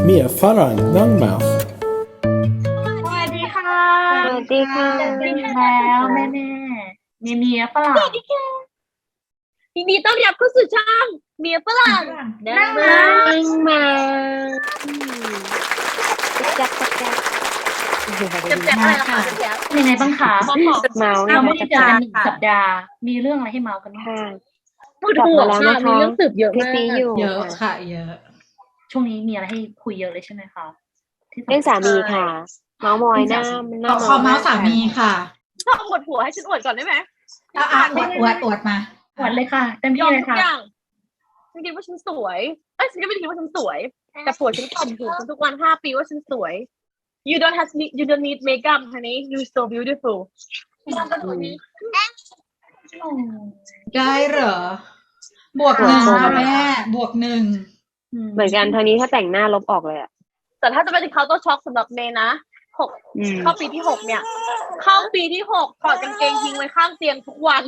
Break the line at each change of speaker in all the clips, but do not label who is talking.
Mer Farang Langmouth
สวัสดีค่ะ
สวัสดีค่ะ
เจอกันอีกแล้วแม่เมียฝรั่ง
ยินดีต้อนรับเข้าสู่ช่องเมียฝรั่ง
นั่งมา
นั่งมาจับจับจับ
เจ็บอะไรล่ะคะเป็นยังไงบ้างคะ
เมาส์
เราไม่ได้เจอกัน
ค่ะ
1 สัปดาห์ มีเรื่องอะไรให้เมากันบ้าง
ค่ะ
ปวดหัวค่ะมีเรื่องสืบเยอะ
คลิป
มาก
นี้อยู่
เยอะค่ะ เยอะ
ช่วงนี้มีอะไรให้คุยเยอะเลยใช่ไหมคะที่สำคัญ
เรื่องสามีค่ะ เมาส์มอยหน้า
ขอเมาส์สามีค่ะ
ชอบอวดผัวให้ฉันอวดก่อนได้ไหม
อวดมา
หวนเลยค่ะเต็ม
ย
ที่
อม
เลย
ทุก
ค่ะ
อย่างฉันคิดว่าฉันสวยฉันก็ไม่ได้คิดว่าฉันสวย แต่ผัวฉันข่มขู่ฉันทุกวัน5 ปีว่าฉันสวย you don't need makeup honey you so beautiful
ได้เหรอ บวก 1ค่ะแม่ บวก 1
เหมือนกันเท่านี้ถ้าแต่งหน้าลบออกเลยอ่ะ
แต่ถ้าจะเป็นเขาต้องช็อกสำหรับเมย์นะเข้าปีที่ 6เนี่ย เข้าปีที่ 6ถอดกางเกงทิ้งไว้ข้างเตียงทุกวัน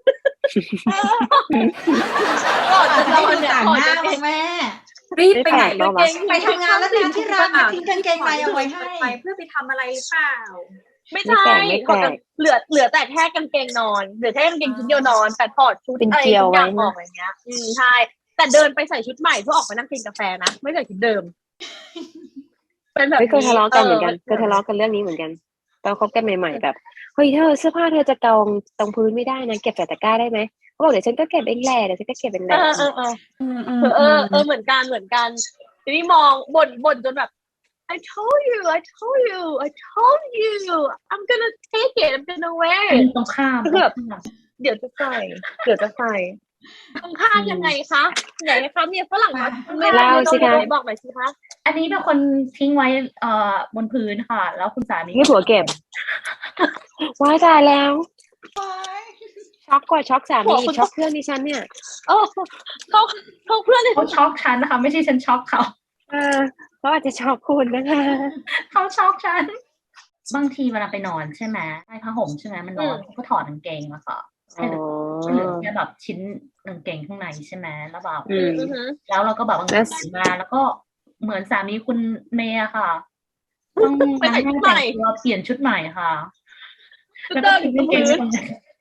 ก่อนจะนอนเนี่ย
ต่าง
ถอด
หน้าก
างเก
มั้
ง
งแม่
รีบไปไหน
ไม่แปลกหรอวะ
ไปทำงานแล้วลืมที่ร้านมาทิ้งกางเกงในเอาไว้ให้
ไปเพื่อไปทำอะไรเปล่า
ไม่ใช่
ไม่แปลก
ถอดกางเหลือแต่แค่กางเกงนอนเหลือแค่กางเกงชุดเดียวนอน แต่ถอดชุด
เป็น
อะไร
เกลียว
ทุกอย่าง
ไว้
ออกอะไรเงี้ยใช่แต่เดินไปใส่ชุดใหม่เพื่อออกไปนั่งกินกาแฟนะไม่ใส่ชุดเดิม เป็นแบบ
ไม่เคยทะเลาะกันเหมือนกันเคยทะเลาะกันเรื่องนี้เหมือนกันตอนคบกันใหม่ๆแบบเฮ้ยเธอเสื้อผ้าเธอจะกองตรงพื้นไม่ได้นะเก็บใส่ตะกร้าได้ไหมเขาบอกเดี๋ยวฉันก็เก็บเองแหละเดี๋ยวฉันก็เก็บเองแหละ
เหมือนกันทีนี้มองบ่นจนแบบ I told you I told you I'm gonna take it I'm gonna wear
เป็น
it
ตรงข้าม
คือแบบ เดี๋ยวจะใส่ตรงข้ามยังไงคะไหนคะเมียฝรั่งมาไม่
เล่าสิคะ
บอกหน่อยสิคะ
อันนี้เป็นคนทิ้งไว้บนพื้นค่ะ แล้วคุณสามี
ให้ผัวเก็บว้ายตายแล้วช็อกกว่าช็อกสามีอีกช็อกเพื่อนดิฉันเนี่ย
เออเขาเพื่อนเลย
เขาช็อกฉันนะคะ ไม่ใช่ฉันช็อกเขา
เขาอาจจะช็อกคุณนะคะ
เขาช็อกฉัน บางทีเวลาไปนอนใช่ไหมใต้ผ้าห่มใช่ไหมมันนอนเขาก็ถอดกางเกงมาค่ะให้เหลือแค่แบบชิ้นกางเกงข้างในใช่ไหมแล้วแบบแล้วเราก็แบบบางทีมาแล้วก็เหมือนสามีคุณเมย์อะค่ะต้องมาให้แต่งตัวเปลี่ยนชุดใหม่ค่ะแล้วก็ทิ้งกางเกงตรงนั้น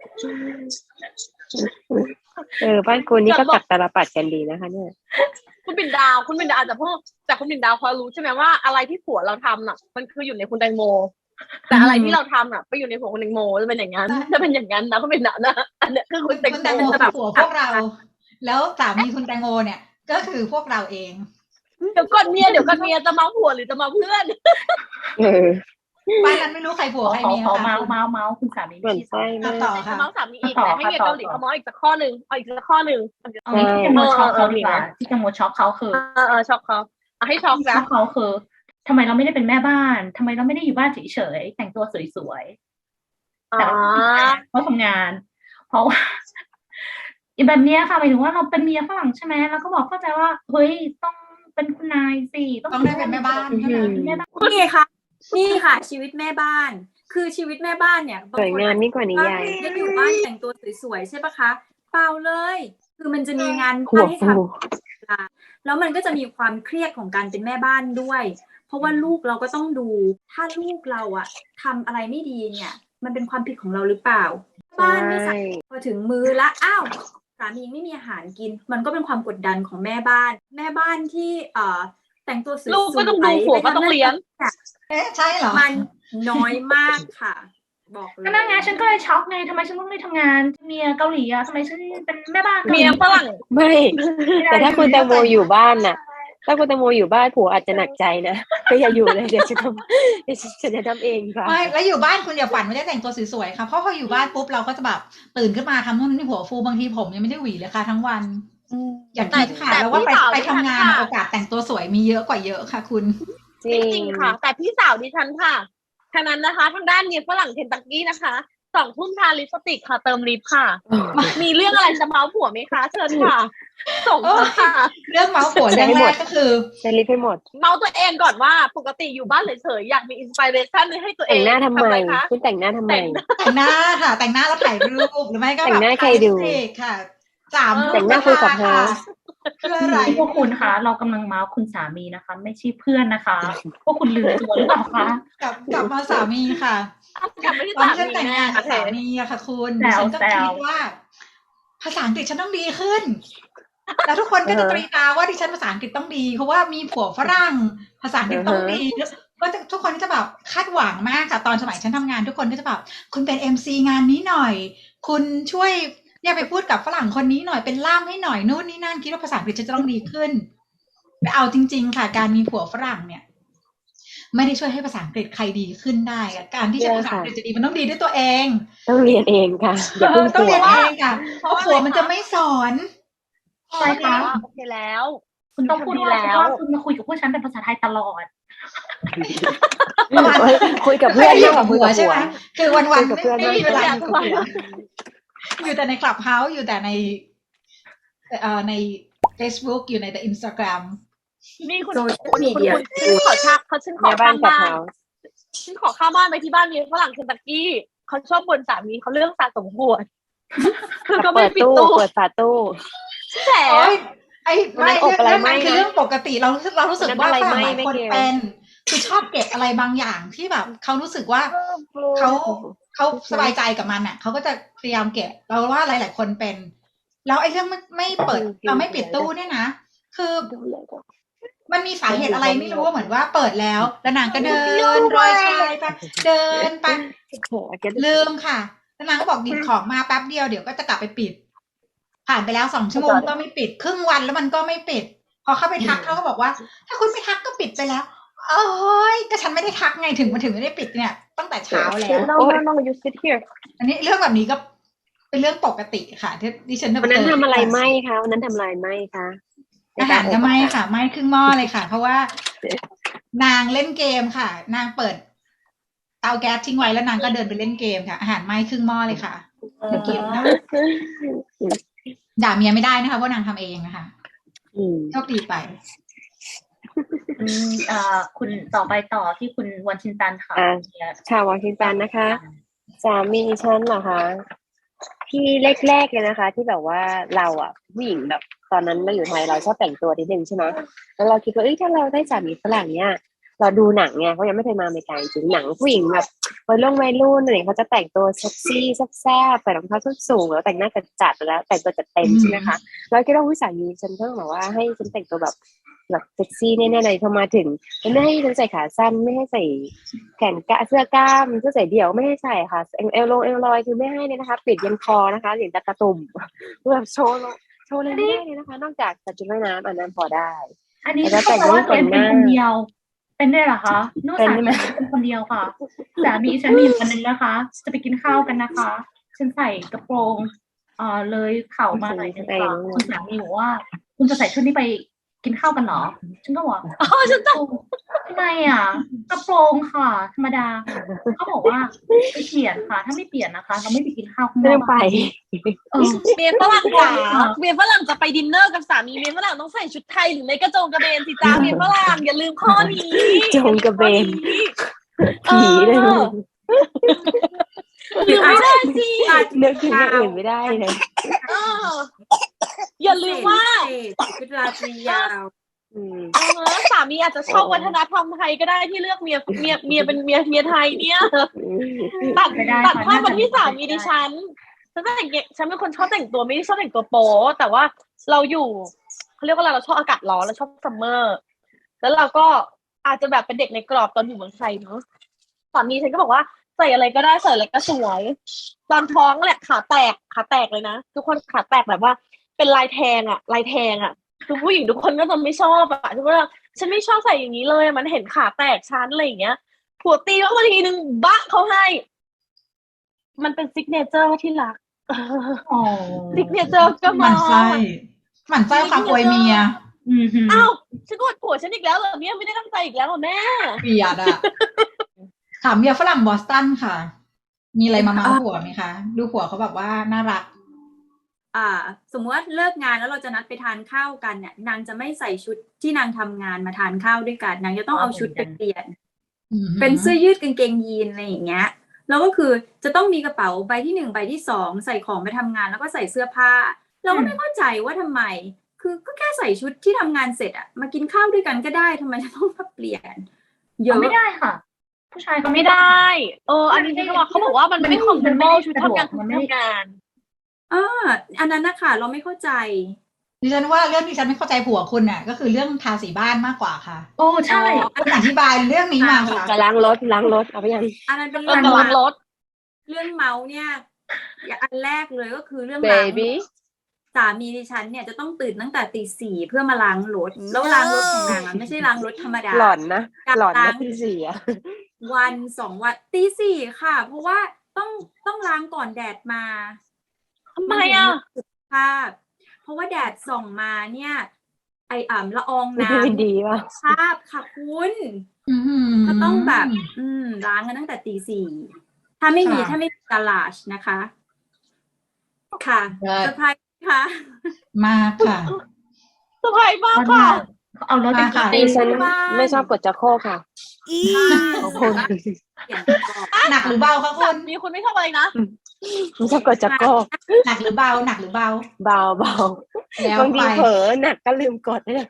บ้านคุณนี่ก็ตักตาลปัดกันดีนะคะเนี่ย
คุณปิ่นดาวอาจจะพวกแต่คุณปิ่นดาวพอรู้ใช่ไหมว่าอะไรที่ผัวเราทำน่ะ มันคืออยู่ในคุณแตงโม แต่อะไรที่เราทำน่ะไปอยู่ในผัวคุณแตงโมจะเป็นอย่างนั้นนะคุณปิ่นดาวนะอันเนี้ยคือคุณแตง
คุณแตง
โม
โม
จะ
เป็
แบ
น
บ
ผัวพวกเรา แล้วสามีคุณแตงโมเนี่ย ก็คือพวกเราเอง
เดี๋ยวก่อนเมียจะเมาผัวหรือจะเมาเพื่อน
บ้านนั้นไม่รู้ใครผัวใครเมีย
ขอ
ค่ะ
เมาคุณสามี
เหมือนไส้มาก
ต่อ
จะ
ค่ะ
เมาสามีอีกแต่ให้เมียเกาหลีเขาเมาอีกสักข้อหนึ่งเอาอีกสักข้อหนึ่ง
เอางี้ที่จะโมช็อกเขาดีกว่าที่จะโมช็อกเขาคือ
ช็อกเขาเอาให้ช็อก
ช็
นะ
อกเขาคือทำไมเราไม่ได้เป็นแม่บ้านทำไมเราไม่ได้อยู่บ้านเฉยๆแต่งตัวสวยๆแต่เขาทำงาน เพราะว่าอีแบบเนี้ยค่ะหมายถึงว่าเราเป็นเมียฝรั่งใช่ไหมเราก็บอกเข้าใจว่าเฮ้ยต้องเป็นคุณนายสิ
ต้องได้เป็นแม่บ้านใช่ไหม
แม่บ้าน
นี่ค่ะ นี่ค่ะ ชีวิตแม่บ้าน คือชีวิตแม่บ้านเนี่ย
สวยงามยิ่งกว่านิยาย
ได้อยู่บ้านแต่งตัวสวยๆใช่ปะคะ เปล่าเลย คือมันจะมีงาน
หัว
ให้
ฟู
ทำแล้วมันก็จะมีความเครียดของการเป็นแม่บ้านด้วย เพราะว่าลูกเราก็ต้องดู ถ้าลูกเราอะทำอะไรไม่ดีเนี่ย มันเป็นความผิดของเราหรือเปล่า บ้านไม่สะอาดพอถึงมือละอ้าวสามีไม่มีอาหารกิน มันก็เป็นความกดดันของแม่บ้าน แม่บ้านที่แต่งตัวสวยๆ
ลูกก็ต้องดูผัวก็ต้องเลี้ยง
เอ๊ะใช่เหรอ
มันน้อยมากค่ะ บอกเลย
ก็นั่งไงฉันก็เลยช็อกไงทำไมฉันต้องไม่ทำงานเมียเกาหลีอะทำไมฉันเป็นแม่บ้าน
เมียฝรั่ง
ไม่ แต่ถ้าคุณแตงโมอยู่บ้านน่ะ ถ้าคุณแตงโมอยู่บ้านผัวอาจจะหนักใจนะก็อย่าอยู่เลยเดี๋ยวฉันจะทำเองค่ะ
ไม่แล้วอยู่บ้านคุณอย่าฝันว่าจะแต่งตัวสวยๆค่ะเพราะพออยู่บ้านปุ๊บเราก็จะแบบตื่นขึ้นมาทำนู่นนี่หัวฟูบางทีผมยังไม่ได้หวีเลยค่ะทั้งวันอย่างคิดค่ะแล้วว่าไปทำงานโอกาสแต่งตัวสวยมีเยอะกว่าเยอะค่ะคุณ
จริ
จริงค่ะ แต่พี่สาวดิฉันค่ะทางนั้นนะคะทางด้านเมียฝรั่งเคนตักกี้นะคะ2 ทุ่มทาลิปสติกค่ะเติมลิปค่ะ มีเรื่องอะไรจะเมาผัวไหมคะเชิญค่ะส่งมาค่ะ
เรื่องเมาส์ผัวเรื่องแรกก็คือ
จะรีบให้หมด
เมาตัวเองก่อนว่าปกติอยู่บ้านเฉยๆอยากมีอินสปิเรชันให้ตัวเอ
แต่
ง
งหน้าทำไม
อะไรคะ
คุณแต่งหน้าทำไม
แต่งหน้าค่ะ แต่งหน้าแล้วถ่ายรูปหรือไม่ก็
แต่
แบบ
งหน้าใครดู
ค่ะสาม
แต่งหน้าคุยกับเธอ
คืออะไร
พวกคุณคะเรากำลังเมาส์คุณสามีนะคะ ไม่ใช่เพื่อนนะคะพวกคุณลืมตัวหรือเปล่าคะ
กลับมาสามีค่ะ
กลับไม่ได้
ตอน
สา
ที่ฉัน
มี
แต่ง
แน่
งานกับ
โอเค
สามีอะค่ะคุณ
แซว
ฉันก็คิดว่า ภาษาอังกฤษฉันต้องดีขึ้น แล้วทุกคนก็จะตรีตราว่าดิฉันภาษาอังกฤษต้องดีเพราะว่ามีผัวฝรั่งภาษาอังกฤษต้องดีก็ทุกคนก็จะแบบคาดหวังมากค่ะตอนสมัยฉันทำงานทุกคนก็จะแบบคุณเป็น MC งานนี้หน่อย คุณช่วยเนี่ยไปพูดกับฝรั่งคนนี้หน่อยเป็นล่ามให้หน่อยนู่นนี่นั่นคิดว่าภาษาอังกฤษจะต้องดีขึ้นแต่เอาจริงๆค่ะการมีผัวฝรั่งเนี่ยไม่ได้ช่วยให้ภาษาอังกฤษใครดีขึ้นได้อะการที่จะภาษาอังกฤษจะดีมันต้องดีด้วยตัวเอง
ต้องเรียนเองค่ะอย่าเพิ่ง
ต้อง
กลั
เรี
วย
นเองค่ะเพราะผัวมันจะไม่สอน
ใช่ค่ะ
โอเคแล้ว
คุณต้องพูด
ดี
ว่า
แล้ว
คุณมาคุยกับพวกฉันเป็นภาษาไทยตลอด
คุยกับเพื่อน
อยู่
มากก
กั
ว่า
บ
คุย
ผัว
กับ
ใช่
ผัว
ไหมคือวัน
คุยกับเพื่อน
ๆไม่มีเวลา
ไม่
อยู่กับผัวอยู่แต่ในคลับเฮาส์อยู่แต่ในใน Facebook อยู่ในแต่ Instagram
นี่คุณ
โซเชียลมีเดีย
ฉันขอชักฉันขอ
แม่บ้า
ข้าน ง
กับ
บ้าน
เขา
ฉันขอข้ามบ้านไปที่บ้านมีฝรั่งเคนตักกี้เขาชอบบ่นสามีเขาเรื่องสะสมขวดคือก็ไม่
เปิด
ปิด
ตู้
ตู้
เปิดฝาตู้
แฉ
โอ้ยไอ้
วันนั้นอบอะไรไหม้
นั่นคือ
นะ
เรื่องปกติเรารู้สึกว่า
วันนั้น
ฝ
อะไร
รั่ง
ไหม้
หลายคน
ไม่เกี่ยว
เป็นคือชอบเก็บอะไรบางอย่างที่แบบเขารู้สึกว่าเขาสบายใจกับมันอ่ะเขาก็จะพยายามเก็บเราว่าหลายๆคนเป็น แล้วไอ้เรื่องไม่เปิดไม่ปิดตู้เนี่ยนะคือมันมีสาเหตุอะไรไม่รู้ว่าเหมือนว่าเปิดแล้วนางก็เดินรอยชายไปเดินไปลืมค่ะแล้วนางก็บอกหยิบของมาแป๊บเดียวเดี๋ยวก็จะกลับไปปิด ผ่านไปแล้ว2 ชั่วโมงก็ไม่ปิดครึ่งวันแล้วมันก็ไม่ปิด พอเข้าไปทักเขาก็บอกว่า ถ้าคุณไม่ทักก็ปิดไปแล้วโอ้ยก็ฉันไม่ได้ทักไงถึงไม่ได้ปิดเนี่ยตั้งแต่เช้าแล้ว
no you sit here
อันนี้เรื่องแบบนี้ก็เป็นเรื่องปกติค่ะที่ดิฉัน
วันนั้นทำอะไรไหมคะวันนั้นทำอะไรไหมคะ
อาหารก็ไม่ค่ะไม่ครึ่งหม้อเลยค่ะ เพราะว่านางเล่นเกมค่ะ นางเปิดเตาแก๊สทิ้งไว้แล้วนางก็เดินไปเล่นเกมค่ะ อาหารไหม้ครึ่งหม้อเลยค่ะไม่กินค่ะด่าเมียไม่ได้นะคะว่านางทำเองนะคะโชคดีไป
คุณต่อไปต่อที่คุณวันชินตันค่ะ
ชาววอชิงตันนะคะ สามีฉันเหรอคะที่แรกๆเลยนะคะ ที่แบบว่าเราอ่ะผู้หญิงแบบตอนนั้นเราอยู่ไทยเราชอบแต่งตัวนิดนึงใช่ไหมแล้วเราคิดว่าถ้าเราได้สามีฝรั่งเนี่ยเราดูหนังไงเขายังไม่เคยมาอเมริกาจริงหนังผู้หญิงแบบวัยรุ่นอะไรเขาจะแต่งตัวเซ็กซี่แซ่บๆใส่รองเท้าส้นสูงแล้วแต่งหน้าจัดแล้วแต่งตัวจัดเต็มใช่ไหมคะเราคิดว่าผู้สามีฉันต้องแบบว่าให้ฉันแต่งตัวแบบเซ็กซี่แน่ๆเลยพอมาถึงไม่ให้ฉันใส่ขาสั้นไม่ให้ใส่แขนกะเสื้อกล้ามเสื้อใส่เดี่ยวไม่ให้ใส่ค่ะเอลลอยคือไม่ให้เลยนะคะปิดยันคอนะคะอย่างตะกระตุ่มแบบโชว์เลยไม่ได้เลยนะคะ นอกจากใส่ชุดว่ายน้ำอันนั้นพอได้
อันนี้ก็แปลว่าเป็นคนเดียวเป็นได้เหรอคะนู่นสามีเป็นคนเดียวค่ะสามีฉันมีวันนึงนะคะจะไปกินข้าวกันนะคะฉันใส่กระโปรงเลยเข่ามาหน่อยนึงค่ะคุณสามีบอกว่าคุณจะใส่ชุดนี้ไปกินข้าวกันเหรอฉันก็บอก
ฉันจะ
ทำไมอ่ะกระโปรงค่ะธรรมดาเขาบอกว่าไปเปลี่ยนค่ะถ้าไม่เปลี่ยนนะคะเราไม่ไปกินข้าวข้างนอก
ไป
เมียฝรั่งจ๋าเมียฝรั่งจะไปดินเนอร์กับสามีเมียฝรั่งต้องใส่ชุดไทยหรือไม่กระโจงกระเบนสิจ้าเมียฝรั่งอย่าลืมข้อนี้
โจงกระเบนผีเลย
ลืมไม่ได้สิ
นึกถึงอย่างอื่นไม่ได้เลย
อย่าลืมว่า
ชุดราตรียาว
สามีอาจจะชอบวัฒนธรรมไทยก็ได้ที่เลือกเมียเป็นเมียไทยเนี่ยตัดภาพมาที่สามีดิฉันเป็นคนชอบแต่งตัวไม่ได้ชอบแต่งตัวโป๊แต่ว่าเราอยู่เขาเรียกว่าเราชอบอากาศร้อนเราชอบซัมเมอร์แล้วเราก็อาจจะแบบเป็นเด็กในกรอบตอนอยู่เมืองไทยเนาะสามีฉันก็บอกว่าใส่อะไรก็ได้ใส่อะไรก็สวยตอนท้องแหละขาแตกเลยนะทุกคนขาแตกแบบว่าเป็นลายแทงอ่ะคือผู้หญิงทุกคนก็จะไม่ชอบอ่ะทุกคนฉันไม่ชอบใส่อย่างนี้เลยมันเห็นขาแตกชั้นอะไรอย่างเงี้ยผัวตีว่าทีนึงบะเขาให้มันเป็นซิกเนเจอร์ที่รักซิกเนเจอร์ก็มา
หมั่นไส้ความอวยเมีย
อ้าวฉันกดผัวฉันอีกแล้วเหรอเนี่ยไม่ได้ตั้งใจอีกแล้วเหรอแม่
เกลียดอ่ะถามเมียฝรั่งบอสตันค่ะมีอะไรมาเมาผัวไหมคะดูผัวเขาแบบว่าน่ารัก
สมมติว่าเลิกงานแล้วเราจะนัดไปทานข้าวกันเนี่ยนางจะไม่ใส่ชุดที่นางทำงานมาทานข้าวด้วยกันนางจะต้องเอาชุดไปเปลี่ยนเป็นเสื้อยืดกางเกงยีนอะไรอย่างเงี้ยแล้วก็คือจะต้องมีกระเป๋าใบที่1ใบที่2ใส่ของไปทำงานแล้วก็ใส่เสื้อผ้าเราก็ไม่เข้าใจว่าทำไมคคือก็แค่ใส่ชุดที่ทำงานเสร็จอะมากินข้าวด้วยกันก็ได้ทำไมจะต้องมาเปลี่ยน เยอะ
ไม่ได้ค่ะ ผู้ชายก็
ไม่ได้ อันนี้ที่เขาบอกว่ามันไม่ comfortable ชุดทำงานทำงาน
อันนั้นนะคะเราไม่เข้าใจ
ดิฉันว่าเรื่องที่ฉันไม่เข้าใจผัวคุณน่ะ ก็คือเรื่องทาสีบ้านมากกว่าค่ะ
โอ้ใช่
คุณอธิบายเรื่องนี้มาค่ะ
จะล้างรถเอาไปยัง
อันนั้นเป็น
กำลังรถ
เรื่องเมาส์เนี่ยอันแรกเลยก็คือเรื่อง
Baby
สามีดิฉันเนี่ยจะต้องตื่นตั้งแต่ตี 4เพื่อมาล้างรถแล้วล้างรถของนางไม่ใช่ล้างรถธรรมดา
หล่อนนะที่เสีย
วัน 2 วันตี 4ค่ะ เพราะว่าต้องล้างก่อนแดดมา
ทำไมอ่ะ
ภาพเพราะว่าแดดส่องมาเนี่ยละอองน้
ไม่ดีป่ะ
ำภาพค่ะคุณ
อื้อหือ
ก็ต้องแบบล้างกันตั้งแต่ตี 4ถ้าไม่มีกาลาชนะคะ ค่ะเซอร์ไพรส์ค่ะ
มากค่ะ
เซอร์ไพรส์มากค่ะ
เอารถไป
ค่ะ
ดิฉันไม่ชอบกดจักโครกค่ะขอบคุณ
เปลี่ยนก่อน
หนักหรือเบาคะคุณ
มีคุณไม่ชอบอะไรนะ
ไม่ชอบกดจักโครก
หนักหรือเบา หนักหรือเบา
เบา
แล้ว
บางที
ไป
เผลอหนักก็ลืมกดเนี่ย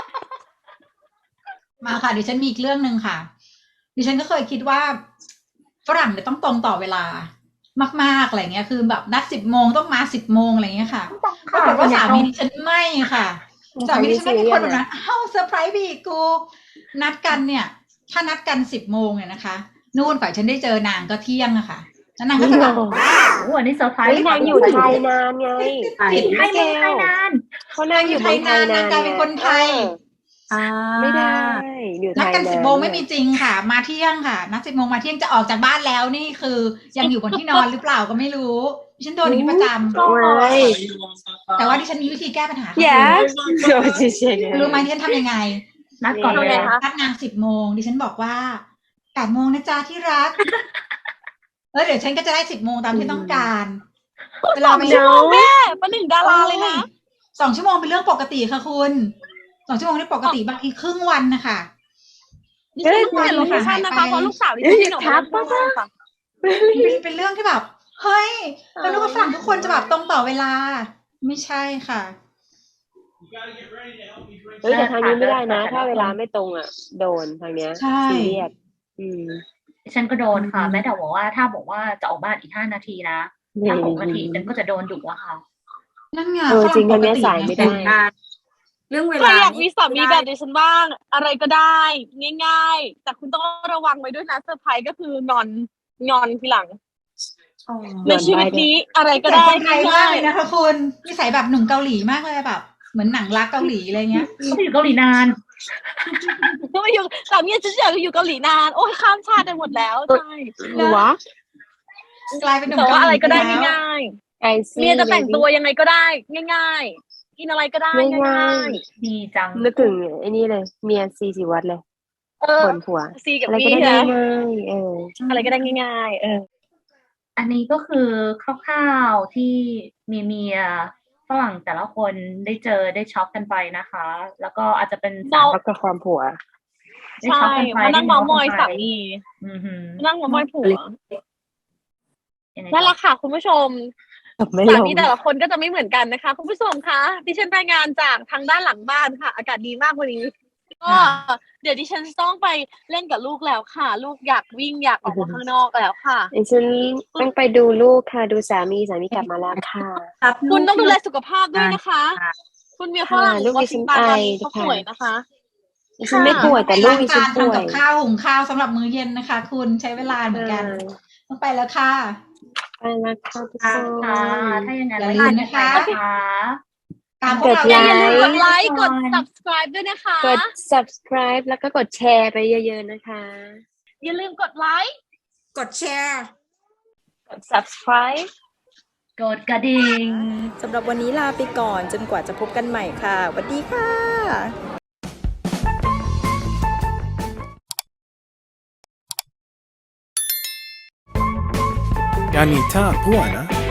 มาค่ะดิฉันมีอีกเรื่องหนึ่งค่ะ ดิฉันก็เคยคิดว่าฝรั่งเนี่ยต้องตรงต่อเวลามากๆอะไรเงี้ยคือแบบนัด10 โมงต้องมา10 โมงอะไรเงี้ยค่ะปรากฏว่าสามีดิฉันไม่ค่ะสามีดิฉันไม่เป็นคนแบบนั้นเซอร์ไพรส์บีกูนัดกันเนี่ย ถ้านัดกัน10 โมงเนี่ยนะคะนู่นฝ่ายฉันได้เจอนางก็เที่ยงอะค่ะแล้วนางก็จะแบบ
โอ้อันนี้เซอร์ไพรส์
นางอยู่ไทยนานไง
ผิดให้เมืองไทยนาน
เขานางอยู่ไทยนาน
นางกลายเป็นคนไทย
ไม่ได้อยู่ไท
นัด
ย
กัน
นาน
10 โมงไม่มีจริงค่ะ มาเที่ยงค่ะ นัด10 โมงมาเที่ยงจะออกจากบ้านแล้วนี่คือยังอยู่บนที่นอนหรือเปล่าก็ไม่รู้ดิฉันโดนอย่างนี้ประจำ
ไม่
แต่ว่าดิฉันมีวิธีแก้ปัญหาค่ะ
yes โดนเฉย
รู้ไหมดิฉันทำยังไง
นัดก่อน
นี่
เล
ไง
ย
คะ
นัดนาง10 โมงดิฉันบอกว่า8 โมงนะจ๊ะที่รักแล้วเดี๋ยวฉันก็จะได้10 โมงตามที่ต้องการเวลาไป
ชั่วโมงแม่ประหนึ่งดาราเลยนะ
2 ชั่วโมงเป็นเรื่องปกติค่ะคุณ2 ชั่วโมงนี่ปกติบางทีครึ่งวันนะคะ
ดิฉันต้องเปลี่ยนโลเคชั่นนะคะเพราะลูกสาวดิฉันออกมาทุกวันค่ะ
เป็นเรื่องที่แบบเฮ้ยแล้วนึกว่าฝรั่งทุกคนจะแบบตรงต่อเวลา ไม่ใช่ค่ะ
เฮ้ยแต่ทางนี้ไม่ได้นะ ถ้าเวลาไม่ตรงอ่ะ โดนทางเนี้ย
ใช่
ซีเรียส
ฉันก็โดนค่ะ แม้แต่บอกว่าถ้าบอกว่าจะออกบ้านอีก5 นาทีนะถ้า6 นาทีฉันก็จะโดนดุอะค่ะ
นั่นไง
จริง
ฝ
ทางเนี้ย
ปกติ
สายไม่ได้
เรื่องเว
ใคร
ลา
อยากมีสามีแบบดิฉันบ้าง อะไรก็ได้ ง่ายๆ แต่คุณต้องระวังไว้ด้วยนะเซอร์ไพรส์ก็คืองอนทีหลัง
อ๋อ
ในชีวิตนี้อะไรก็
แต่
ได้
คนไทยมาก
ง่าย
เลยนะคะคุณนิสัยแบบหนุ่มเกาหลีมากเลยแบบเหมือนหนังรักเกาหลีอะไรเงี้ย
ก็ไปอยู่เกาหลีนาน
ๆก็มาอยู่สามีฉันอยากอยู่เกาหลีนาน โอ้ยข้ามชาติไปหมดแล้วใช่
วะ
กลายเป็นหนุ่ม
แต่
เกา
ว่า
หลี
อะไรก็ได้
ปแล้ว
ง่าย
ไอ
ๆ
ซี
เมียจะแต่งตัวยังไงก็ได้ ง่ายๆ กินอะไรก็ได้ง่าย
ดีจัง
นึกถึงไอ้นี่เลย เมียซีสิวัตรเลย
ๆเออ
บ่นผัว
ซีกับ
อะไรก็
พี่
ได้
นะ
ง่ายๆ
อะไรก็ได้ง่ายๆ
อันนี้ก็คือคร่าวๆที่มีเมียฝรั่งแต่ละคนได้เจอได้ช็อกกันไปนะคะ แล้วก็อาจจะเป็น
แล้วก็ความผัว
ได้
ใช่
ช็อกกันไป
มานั่งเมามอยสามี
อือหือ
นั่งเมามอยผัว
ยังไง
นั่นแห
ต่อ
ละค่ะคุณผู้ชม
ไม่
สา
ลง
มีแต่ละคนก็จะไม่เหมือนกันนะคะคุณผู้ชมคะดิฉันรายงานจากทางด้านหลังบ้านค่ะ อากาศดีมากวันนี้ก็เดี๋ยวดิฉันต้องไปเล่นกับลูกแล้วค่ะ ลูกอยากวิ่งอยากออกมาข้างนอกแล้วค่ะ
ดิฉันต้องไปดูลูกค่ะ ดูสามีกลับมาแล้วค่ะ
รับลูก
คุณต้องดูแลสุขภาพด้วยนะคะ
ค่ะ
คุณเมียฝรั่ง
ลูก
วอ
ดิฉั
ชิง
น
ตันตอน
ไอ
นี้เขาป่วยนะคะ
ดิฉันไม่ป่วยแต่ลูกดิฉันป่วย
ทำกับข้าวหุงข้าวสำหรับมื้อเย็นนะคะ คุณใช้เวลาเหมือนกันต้องไปแล้วค่ะ
ไปแล้วค่ะทุกค
ค่ะ
น
ถ้าอย่างนั้น
อย่าลืมนะคะ
ไว้เจอกันะคะ
ตามพวกเรา
กด
อย่าลืมกดไล
ค์
ค์กด subscribe ด้วยนะคะ
กด subscribe แล้วก็กดแชร์ไปเยอะๆนะคะ
อย่าลืมกดไลค์
กดแชร์
กด subscribe
กดกระดิ่ง
สำหรับวันนี้ลาไปก่อนจนกว่าจะพบกันใหม่ค่ะสวัสดีค่ะ
Ganita buona